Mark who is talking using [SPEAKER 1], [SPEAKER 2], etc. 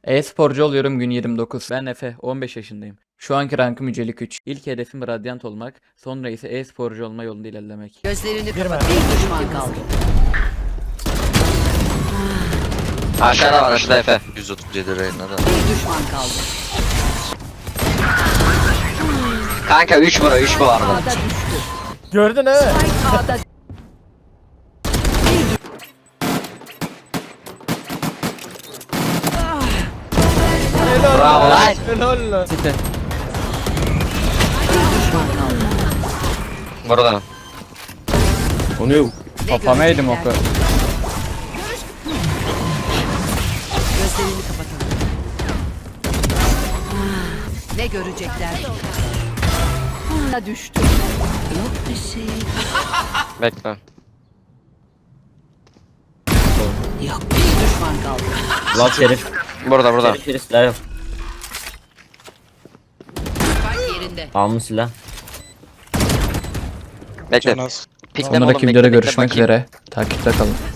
[SPEAKER 1] E-sporcu oluyorum gün 29. Ben Efe, 15 yaşındayım. Şu anki rankım yücelik 3. İlk hedefim Radyant olmak, sonra ise e-sporcu olma yolunda ilerlemek.
[SPEAKER 2] Gözlerini kapat. Bir düşman kaldı.
[SPEAKER 3] Aşağıda var, aşağıda Efe. 137 Reyna'da.
[SPEAKER 2] Bir düşman kaldı.
[SPEAKER 3] Kanka 3 bura, 3 bu arada.
[SPEAKER 2] A'da düştü.
[SPEAKER 4] Gördün he?
[SPEAKER 2] Spike A'da.
[SPEAKER 4] Helal
[SPEAKER 3] Bravo
[SPEAKER 4] lan.
[SPEAKER 3] lan.
[SPEAKER 4] Helal lan.
[SPEAKER 1] Site.
[SPEAKER 2] Bir düşman kaldı.
[SPEAKER 3] Burada.
[SPEAKER 1] Onu kafama yedim oku.
[SPEAKER 2] görecekler? Gözlerini kapatalım. Ne görecekler? A'da düştü. Yok bir şey.
[SPEAKER 3] Bekle.
[SPEAKER 2] Yok. Bir düşman kaldı.
[SPEAKER 5] Lan Şerif.
[SPEAKER 3] Burada.
[SPEAKER 5] Şerif silah yok.
[SPEAKER 2] Spike yerinde.
[SPEAKER 5] Almış silah.
[SPEAKER 3] Bekle. Pikleme oğlum,
[SPEAKER 1] Sonraki
[SPEAKER 3] bekle,
[SPEAKER 1] videoda
[SPEAKER 3] bekle,
[SPEAKER 1] görüşmek
[SPEAKER 3] bakayım.
[SPEAKER 1] üzere. Takipte kalın.